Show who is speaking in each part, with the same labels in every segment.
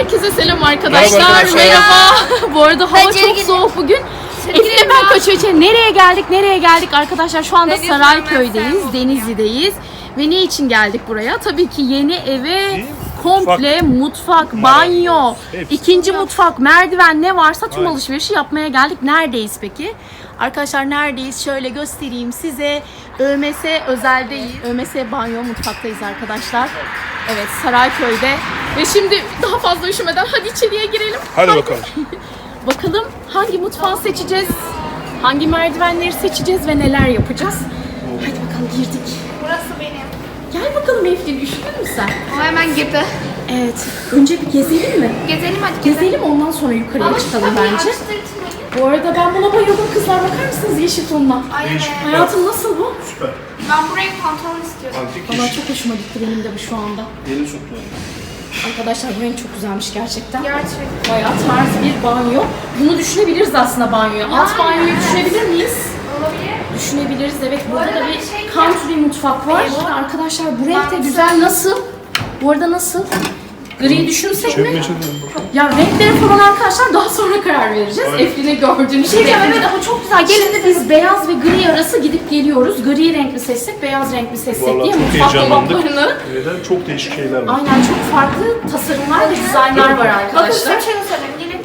Speaker 1: Herkese selam arkadaşlar.
Speaker 2: Merhaba.
Speaker 1: Merhaba. Bu arada hava
Speaker 2: Bence
Speaker 1: çok
Speaker 2: gidin.
Speaker 1: soğuk bugün. Efle ben kaçıyor. Nereye geldik arkadaşlar? Şu anda Sarayköy'deyiz, Denizli'deyiz. Ve ne için geldik buraya? Tabii ki yeni eve komple mutfak, banyo, ikinci mutfak, merdiven ne varsa tüm alışverişi yapmaya geldik. Neredeyiz peki? Arkadaşlar neredeyiz? Şöyle göstereyim size. ÖMS özeldeyiz. ÖMS banyo mutfaktayız arkadaşlar. Evet, Sarayköy'de. Ve şimdi daha fazla üşümeden hadi içeriye girelim.
Speaker 3: Hadi bakalım.
Speaker 1: Bakalım hangi mutfağı seçeceğiz? Hangi merdivenleri seçeceğiz ve neler yapacağız? Hadi bakalım, girdik.
Speaker 2: Burası benim.
Speaker 1: Gel bakalım Eflin, üşüdün mü sen?
Speaker 2: O hemen girdi.
Speaker 1: Evet. Önce bir gezelim mi?
Speaker 2: Gezelim hadi
Speaker 1: Gezelim, ondan sonra yukarıya
Speaker 2: Ama
Speaker 1: çıkalım
Speaker 2: kapıyı
Speaker 1: bence.
Speaker 2: açtırtmayın.
Speaker 1: Bu arada ben buna bayıldım kızlar, bakar mısınız yeşil tonuna?
Speaker 2: Ay evet.
Speaker 1: Hayatım nasıl bu?
Speaker 3: Süper.
Speaker 2: Ben buraya pantolon istiyorum.
Speaker 3: Antik
Speaker 1: Valla
Speaker 3: iş.
Speaker 1: çok hoşuma gitti benim de bu şu anda.
Speaker 3: Yeni soktu.
Speaker 1: Arkadaşlar bu renk çok güzelmiş gerçekten.
Speaker 2: Gerçekten.
Speaker 1: Bayağı tarz bir banyo. Bunu düşünebiliriz aslında banyoya. Alt banyoyu düşünebilir miyiz?
Speaker 2: Olabilir.
Speaker 1: Düşünebiliriz. Evet, burada
Speaker 2: arada
Speaker 1: da
Speaker 2: bir
Speaker 1: bir
Speaker 2: şey
Speaker 1: country mutfak var. Arkadaşlar bu renk de güzel. Nasıl? Bu arada nasıl? Gri düşünsek mi? Ya renklere falan arkadaşlar daha sonra karar vereceğiz.
Speaker 3: Aynen.
Speaker 1: Eflin'e gördüğünüz gibi. Evet ama çok güzel. Gelin de biz beyaz ve gri arası gidip geliyoruz. Gri renk mi seçsek, beyaz renk mi seçsek
Speaker 3: Vallahi
Speaker 1: diye
Speaker 3: çok
Speaker 1: mutfak
Speaker 3: heyecanlandık.
Speaker 1: dolaplarını.
Speaker 3: Neden? Çok değişik şeyler var.
Speaker 1: Aynen, çok farklı tasarımlar ve dizaynlar var
Speaker 2: Bakın
Speaker 1: arkadaşlar.
Speaker 2: size bir şey göstereyim. Gelin.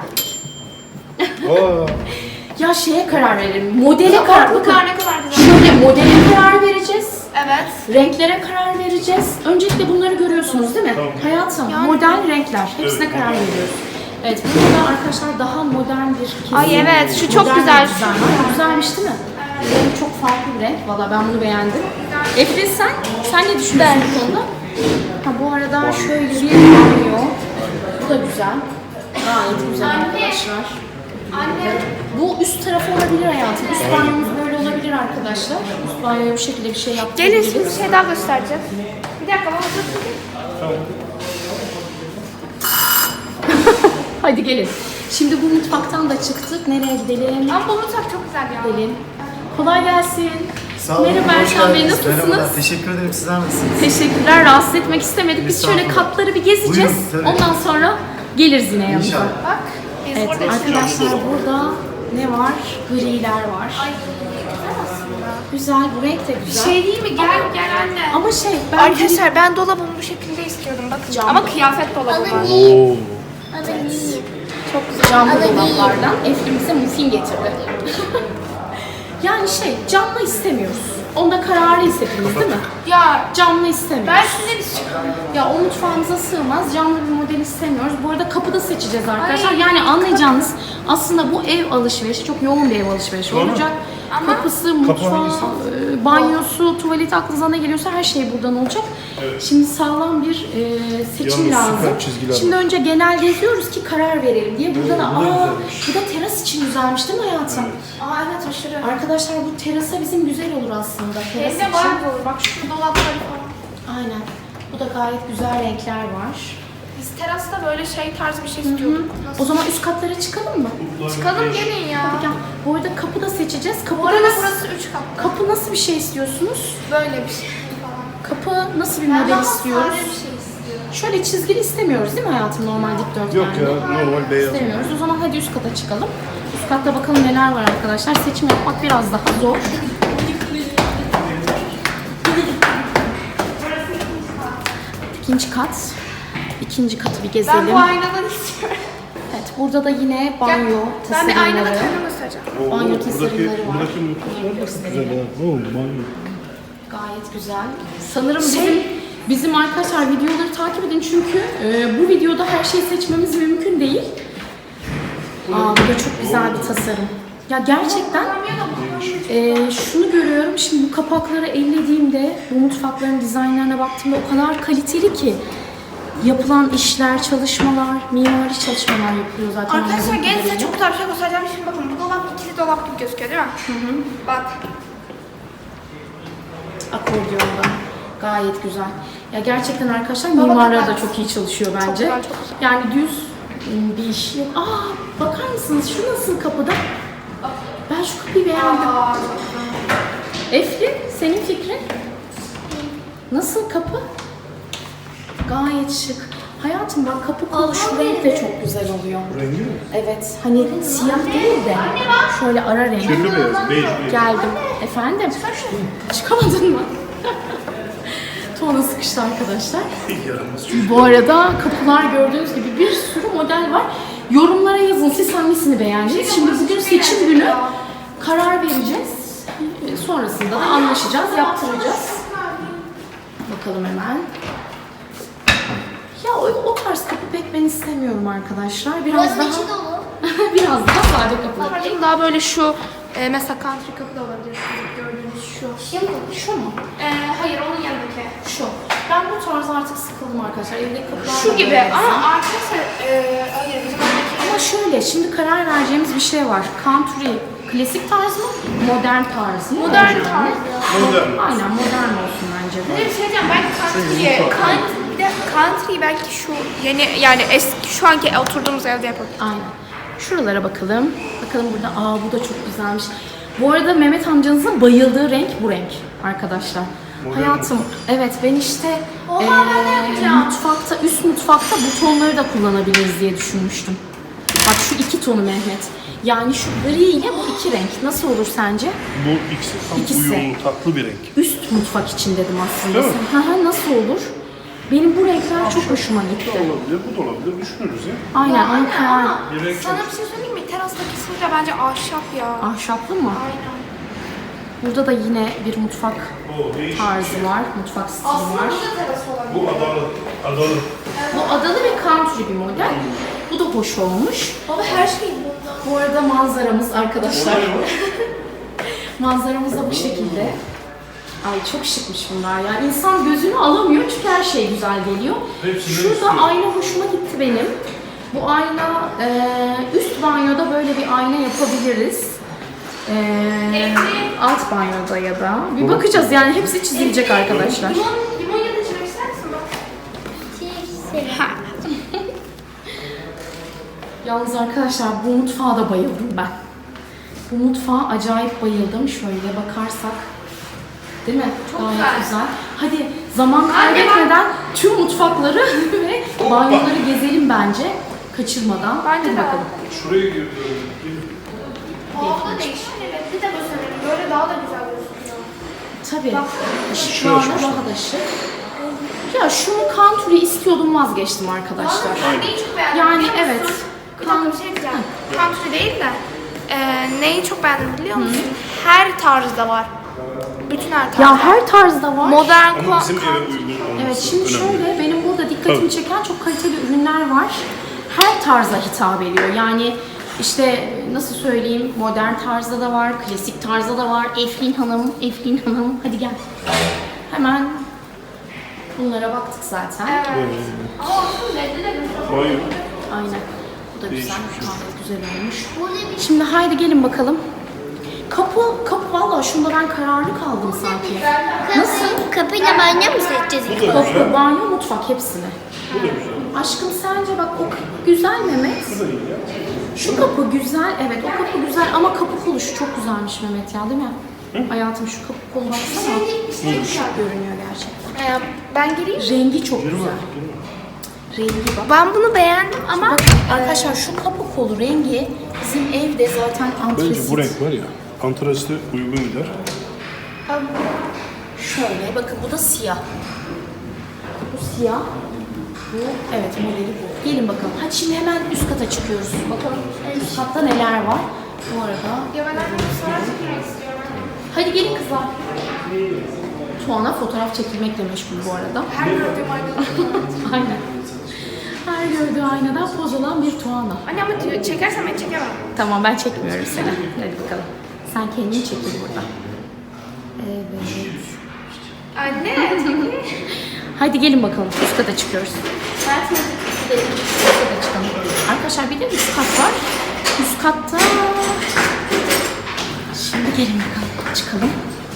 Speaker 3: Aa,
Speaker 1: Ya şeye karar verelim. Modele karar. Bakın
Speaker 2: Kapaklıklar ne kadar güzel.
Speaker 1: şöyle modele karar vereceğiz.
Speaker 2: Evet.
Speaker 1: Renklere karar vereceğiz. Öncelikle bunları görüyorsunuz değil mi?
Speaker 3: Tamam.
Speaker 1: Hayatım,
Speaker 2: Yani-
Speaker 1: modern renkler. Hepsine
Speaker 3: Evet.
Speaker 1: karar veriyoruz. Evet, burada arkadaşlar daha modern bir kesim.
Speaker 2: Ay evet, şu çok
Speaker 1: modern
Speaker 2: güzel.
Speaker 1: bir dizayn var. Güzelmiş değil mi? Renk çok farklı bir renk. Valla ben bunu beğendim. Efrin sen ne düşünüyorsun bu konuda? Ha, bu arada şöyle bir banyo. Bu da güzel. Gayet güzel arkadaşlar.
Speaker 2: Anne.
Speaker 1: Bu üst tarafı olabilir hayatım. Üst banyomuz böyle olabilir arkadaşlar. Üst banyoya bu şekilde bir şey
Speaker 2: Gelin
Speaker 1: yaptırabiliriz.
Speaker 2: şimdi bir şey daha göstereceğim. Bir dakika bana tutun.
Speaker 1: Hadi gelin. Şimdi bu mutfaktan da çıktık. Nereye gidelim?
Speaker 2: Ama bu mutfak çok güzel ya.
Speaker 1: Gidelim. Kolay gelsin.
Speaker 4: Sağ olun.
Speaker 1: Merhaba
Speaker 4: hoş
Speaker 1: Erkan Bey,
Speaker 4: geldiniz.
Speaker 1: nasılsınız?
Speaker 4: Merhabalar, teşekkür ederim. Sizler nasılsınız?
Speaker 1: Teşekkürler. Rahatsız etmek istemedik. Biz şöyle
Speaker 4: Estağfurullah.
Speaker 1: katları bir gezeceğiz.
Speaker 4: Buyurun, tabii.
Speaker 1: Ondan sonra geliriz yine yanımıza.
Speaker 4: İnşallah.
Speaker 2: Bak. Biz
Speaker 1: Evet
Speaker 2: burada
Speaker 1: arkadaşlar, burada ne var? Griler var.
Speaker 2: Ay güzel aslında.
Speaker 1: Güzel. Bu renk de
Speaker 2: Bir
Speaker 1: güzel.
Speaker 2: şey değil mi? Gel gel anne.
Speaker 1: Ama ben
Speaker 2: Arkadaşlar ben dolabımı bu şekilde istiyorum bakın.
Speaker 1: Cam.
Speaker 2: Ama kıyafet dolabı var.
Speaker 3: Oo.
Speaker 1: çok güzel camlı dolaplardan Eflin bize muffin getirdi. Yani camlı istemiyoruz. Onda kararlıyız hepimiz değil mi?
Speaker 2: Ya
Speaker 1: Camlı istemiyoruz.
Speaker 2: ben şunları istiyorum.
Speaker 1: Ya o mutfağımıza sığmaz. Camlı bir model istemiyoruz. Bu arada kapıda seçeceğiz arkadaşlar. Yani anlayacağınız aslında bu ev alışverişi çok yoğun bir ev alışverişi olacak. Kapısı, mutfağı,
Speaker 3: hangisi?
Speaker 1: banyosu, tuvaleti, aklınıza ne geliyorsa her şey buradan olacak. Şimdi sağlam bir seçim
Speaker 3: Yalnız süper
Speaker 1: lazım.
Speaker 3: çizgiler var.
Speaker 1: Şimdi önce genel geziyoruz ki karar verelim diye. Burada da bu da teras için güzelmiş değil mi hayatım?
Speaker 2: Aa evet aşırı.
Speaker 1: Arkadaşlar bu terasa bizim güzel olur aslında. Teras
Speaker 2: Evde
Speaker 1: için.
Speaker 2: var bu. Bak şu dolapları falan.
Speaker 1: Aynen. Bu da gayet güzel renkler var.
Speaker 2: Biz terasta böyle tarzı bir şey istiyorduk. Nasıl?
Speaker 1: O zaman üst katlara çıkalım mı?
Speaker 2: Çıkalım gelin ya.
Speaker 1: Hadi gel. Bu arada kapı da seçeceğiz.
Speaker 2: Bu
Speaker 1: Kapıda
Speaker 2: arada
Speaker 1: nasıl,
Speaker 2: burası 3 katlı.
Speaker 1: kapı nasıl bir şey istiyorsunuz?
Speaker 2: Böyle bir şey falan.
Speaker 1: Kapı nasıl bir
Speaker 2: Ben
Speaker 1: model
Speaker 2: daha
Speaker 1: istiyoruz?
Speaker 2: sade bir şey istiyorum.
Speaker 1: Şöyle çizgili istemiyoruz değil mi hayatım, normal dikdörtgen?
Speaker 3: Yok ya, normal beyaz.
Speaker 1: İstemiyoruz. O zaman hadi üst kata çıkalım. Üst katta bakalım neler var arkadaşlar. Seçim yapmak biraz daha zor. İkinci kat. İkinci katı bir gezelim.
Speaker 2: Ben bu aynadan istiyorum.
Speaker 1: Evet, burada da yine banyo
Speaker 2: Ben bir aynada
Speaker 1: tasarımları.
Speaker 2: kendimi göstereceğim.
Speaker 1: Banyo tasarımları var.
Speaker 3: Buradaki mutfaklar da çok güzel ha. Oo, banyo.
Speaker 1: Gayet güzel. Sanırım bizim arkadaşlar videoları takip edin çünkü bu videoda her şeyi seçmemiz mümkün değil. Bu da çok güzel bir tasarım. Ya gerçekten şunu görüyorum, şimdi bu kapakları ellediğimde, bu mutfakların dizaynlarına baktığımda o kadar kaliteli ki yapılan işler, çalışmalar, mimari çalışmalar yapılıyor zaten.
Speaker 2: Arkadaşlar
Speaker 1: anladığım
Speaker 2: gelin size
Speaker 1: kadarıyla.
Speaker 2: çok güzel bir şey göstereceğim. Şimdi bakın bu dolap ikili dolap gibi gözüküyor değil mi? Bak.
Speaker 1: Akordiyonda. Gayet güzel. Ya gerçekten arkadaşlar
Speaker 2: Baba
Speaker 1: mimarlar da
Speaker 2: bak.
Speaker 1: çok iyi çalışıyor bence.
Speaker 2: güzel, çok güzel.
Speaker 1: Yani düz bir iş yok. Bakar mısınız şu nasıl kapıda? Ben şu kapıyı beğendim.
Speaker 2: Aa, çok güzel.
Speaker 1: Eflin, senin fikrin? Nasıl kapı? Gayet şık. Hayatım bak kapı kolu şu renk de çok güzel oluyor.
Speaker 3: Rengi mi?
Speaker 1: Evet hani siyah değil de şöyle ara renk.
Speaker 3: Kirli beyaz, bej beyaz.
Speaker 1: Geldim. Efendim? Çıkamadın mı? Tuana sıkıştı arkadaşlar.
Speaker 3: Yaramaz çocuk.
Speaker 1: Bu arada kapılar gördüğünüz gibi bir sürü model var. Yorumlara yazın siz hangisini beğendiniz. Şimdi bugün seçim günü karar vereceğiz. Sonrasında da anlaşacağız, yaptıracağız. Bakalım hemen. Ya o tarz kapı pek ben istemiyorum arkadaşlar. Biraz daha biraz daha sade kapılar.
Speaker 2: Daha böyle şu mesela country kapı da olabilir. Şu gördüğünüz şu.
Speaker 1: Şu mu?
Speaker 2: Hayır onun yanındaki.
Speaker 1: Şu. Ben bu tarz artık sıkıldım arkadaşlar. Evdeki kapılar da
Speaker 2: Şu gibi
Speaker 1: böyle.
Speaker 2: ama arkadaşlar hayır bizim oradaki.
Speaker 1: Ama şöyle şimdi karar vereceğimiz bir şey var. Country klasik tarz mı? Modern tarz mı?
Speaker 2: Modern
Speaker 1: Bence
Speaker 2: tarz.
Speaker 3: Modern.
Speaker 1: Aynen modern olsun bence de.
Speaker 2: Bir şey diyeceğim ben bir de country belki şu yeni yani eski şu anki oturduğumuz evde yapalım.
Speaker 1: Aynen. Şuralara bakalım. Bakalım burada. Bu da çok güzelmiş. Bu arada Mehmet amcanızın bayıldığı renk bu renk arkadaşlar. Hayatım, evet ben işte mutfakta, üst mutfakta bu tonları da kullanabiliriz diye düşünmüştüm. Bak şu iki tonu Mehmet. Yani şu gri ile bu iki renk. Nasıl olur sence?
Speaker 3: Bu ikisi tam
Speaker 1: İkisi.
Speaker 3: uyumlu, tatlı bir renk.
Speaker 1: Üst mutfak için dedim aslında.
Speaker 3: Değil mi?
Speaker 1: Nasıl olur? Benim bu renkler çok hoşuma
Speaker 3: Bu da
Speaker 1: gitti.
Speaker 3: olabilir, bu da olabilir. Düşünürüz ya.
Speaker 1: Aynen, onu karar.
Speaker 3: Bir renk
Speaker 2: Sana
Speaker 3: çok.
Speaker 2: bir şey söyleyeyim mi? Terasta kesinlikle bence ahşap ya.
Speaker 1: Ahşaplı mı?
Speaker 2: Aynen.
Speaker 1: Burada da yine bir mutfak
Speaker 3: O değişik.
Speaker 1: tarzı var, mutfak stili
Speaker 2: Aslında
Speaker 1: var.
Speaker 2: bu da teras olabilir.
Speaker 3: Bu adalı. Adalı.
Speaker 1: Bu adalı ve country bir model. Bu da hoş olmuş.
Speaker 2: Baba her şey bunda.
Speaker 1: Bu arada manzaramız arkadaşlar. Manzaramız da bu şekilde. Ay çok şıkmış bunlar ya. İnsan gözünü alamıyor çünkü her şey güzel geliyor.
Speaker 3: Hepsini
Speaker 1: Şurada
Speaker 3: istiyor.
Speaker 1: ayna hoşuma gitti benim. Bu ayna üst banyoda böyle bir ayna yapabiliriz. Alt banyoda ya da. Bir bakacağız yani hepsi çizilecek arkadaşlar.
Speaker 2: Limon ya da içmek ister misin bak?
Speaker 1: Yalnız arkadaşlar bu mutfağa da bayıldım ben. Bu mutfağa acayip bayıldım. Şöyle bakarsak. Değil mi?
Speaker 2: Çok
Speaker 1: Gayet
Speaker 2: güzel.
Speaker 1: Hadi zaman kaybetmeden tüm mutfakları ve banyoları gezelim bence. Kaçırmadan.
Speaker 2: Bence
Speaker 1: Hadi
Speaker 2: de.
Speaker 1: bakalım.
Speaker 3: Şuraya gir.
Speaker 2: Hava da değişik. Bir de gösterelim. Böyle daha da güzel gözüküyor.
Speaker 1: Tabii.
Speaker 3: Şu
Speaker 1: Işıklarla
Speaker 3: açmışlar.
Speaker 1: daha da şık. Ya şunu country istiyordum vazgeçtim arkadaşlar.
Speaker 2: Ben neyi çok beğendim
Speaker 1: Yani
Speaker 2: biliyor musun?
Speaker 1: evet.
Speaker 2: Bir dakika bir şey diyeceğim. Country değil de neyi çok beğendim biliyor musun? Her tarzda var. Bütün her tarzda.
Speaker 1: Ya her tarzda var.
Speaker 2: Modern
Speaker 3: Ama bizim eve uygun olması
Speaker 1: Evet şimdi
Speaker 3: önemli.
Speaker 1: şöyle benim burada dikkatimi
Speaker 3: Tabii.
Speaker 1: çeken çok kaliteli ürünler var. Her tarza hitap ediyor. Yani işte nasıl söyleyeyim modern tarzda da var, klasik tarzda da var. Eflin Hanım hadi gel. Hemen bunlara baktık zaten.
Speaker 2: Evet. Ama olsun reddi de güzel.
Speaker 3: Hayır.
Speaker 1: Aynen. Bu da güzel,
Speaker 3: Değişik bir şey.
Speaker 1: gayet güzel olmuş. Şimdi haydi gelin bakalım. Kapı valla şunda ben kararlı kaldım sanki. Nasıl?
Speaker 5: Kapıyla banyo mu seçeceğiz?
Speaker 3: Bu da güzel.
Speaker 1: Kapı, banyo, mutfak hepsini.
Speaker 3: Bu da güzel.
Speaker 1: Aşkım sence bak o kapı güzel Mehmet.
Speaker 3: Bu da iyi ya.
Speaker 1: Şu kapı güzel, evet o kapı güzel ama kapı kolu şu çok güzelmiş Mehmet ya değil mi? Hayatım şu kapı kolu baksana. Şık görünüyor gerçekten.
Speaker 2: Ben geleyim.
Speaker 1: Rengi çok güzel. Rengi bak.
Speaker 2: Ben bunu beğendim ama
Speaker 1: Bak arkadaşlar şu kapı kolu rengi bizim evde zaten antrasit.
Speaker 3: Bence bu renk var ya, antrasite uygun gider.
Speaker 1: Şöyle bakın bu da siyah. Bu siyah. Bu evet modeli bu. Gelin bakalım. Hadi şimdi hemen üst kata çıkıyoruz. Bakalım üst katta neler var. Bu arada.
Speaker 2: ya ben artık fotoğraf çekmek istiyorum.
Speaker 1: Hadi gelin kızlar. Tuana fotoğraf çekilmekle meşgul bu arada.
Speaker 2: Her gördüğüm aynada.
Speaker 1: Aynen. Her gördüğü aynadan poz olan bir Tuana.
Speaker 2: Anne ama diyor, çekersen ben çekemem.
Speaker 1: Tamam ben çekmiyorum seni. Hadi bakalım. Sen kendini çekil burada. Evet.
Speaker 2: Anne.
Speaker 1: Hadi gelin bakalım. Üst kata çıkıyoruz. Gidelim. Üst kata çıkalım. Arkadaşlar bir de üst kat var. Üst katta... Şimdi gelin bakalım. Çıkalım.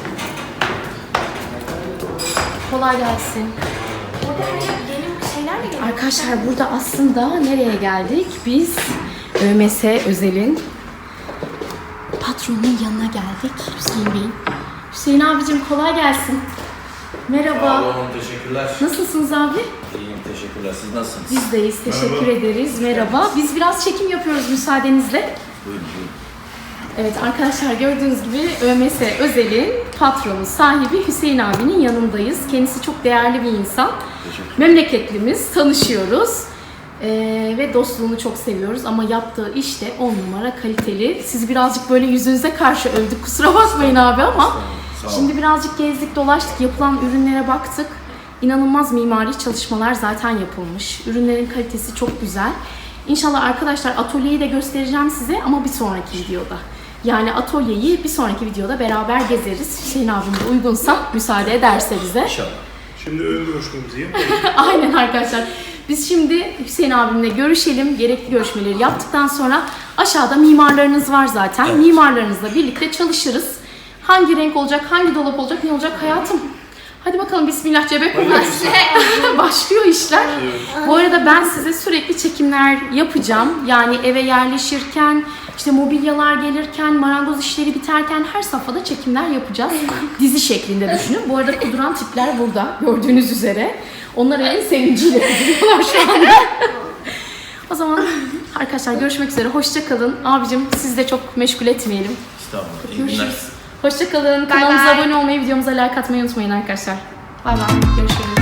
Speaker 1: Kolay gelsin.
Speaker 2: Yeni şeyler de geliyor.
Speaker 1: Arkadaşlar burada aslında nereye geldik? Biz ÖMS Özel'in patronunun yanına geldik. Hüseyin Bey'in. Hüseyin abicim kolay gelsin. Merhaba.
Speaker 6: Sağ olun, teşekkürler.
Speaker 1: Nasılsınız abi?
Speaker 6: İyiyim,
Speaker 5: Teşekkürler. Siz nasılsınız?
Speaker 1: Bizdeyiz. Teşekkür ederiz. Merhaba. Biz biraz çekim yapıyoruz müsaadenizle.
Speaker 5: Buyurun buyurun.
Speaker 1: Evet arkadaşlar gördüğünüz gibi ÖMS Özel'in patronu, sahibi Hüseyin abinin yanındayız. Kendisi çok değerli bir insan. Memleketlimiz, tanışıyoruz. Ve dostluğunu çok seviyoruz ama yaptığı iş de 10 numara kaliteli. Sizi birazcık böyle yüzünüze karşı övdük, kusura bakmayın abi ama
Speaker 5: Sağ olun.
Speaker 1: şimdi birazcık gezdik dolaştık, yapılan ürünlere baktık. İnanılmaz mimari çalışmalar zaten yapılmış. Ürünlerin kalitesi çok güzel. İnşallah arkadaşlar atölyeyi de göstereceğim size ama bir sonraki videoda. Yani atölyeyi bir sonraki videoda beraber gezeriz. Hüseyin abim de uygunsa, müsaade ederse bize.
Speaker 5: İnşallah.
Speaker 3: Şimdi ön görüşmemizi yapalım.
Speaker 1: Aynen arkadaşlar. Biz şimdi Hüseyin abimle görüşelim. Gerekli görüşmeleri yaptıktan sonra aşağıda mimarlarınız var zaten.
Speaker 5: Evet.
Speaker 1: Mimarlarınızla birlikte çalışırız. Hangi renk olacak, hangi dolap olacak, ne olacak hayatım? Hadi bakalım bismillah cebe başlıyor işler. Bu arada ben size sürekli çekimler yapacağım. Yani eve yerleşirken, işte mobilyalar gelirken, marangoz işleri biterken her safhada çekimler yapacağız. Dizi şeklinde düşünün. Bu arada kuduran tipler burada gördüğünüz üzere. Onlar en sevinciyle kuduruyorlar şu anda. O zaman arkadaşlar görüşmek üzere. Hoşça kalın. Abicim sizi de çok meşgul etmeyelim.
Speaker 5: Estağfurullah. İyi günler.
Speaker 1: Görüşürüz. Hoşça kalın.
Speaker 2: Bye
Speaker 1: Kanalımıza
Speaker 2: bye.
Speaker 1: abone olmayı, videomuza like atmayı unutmayın arkadaşlar. Bay bay. Görüşürüz.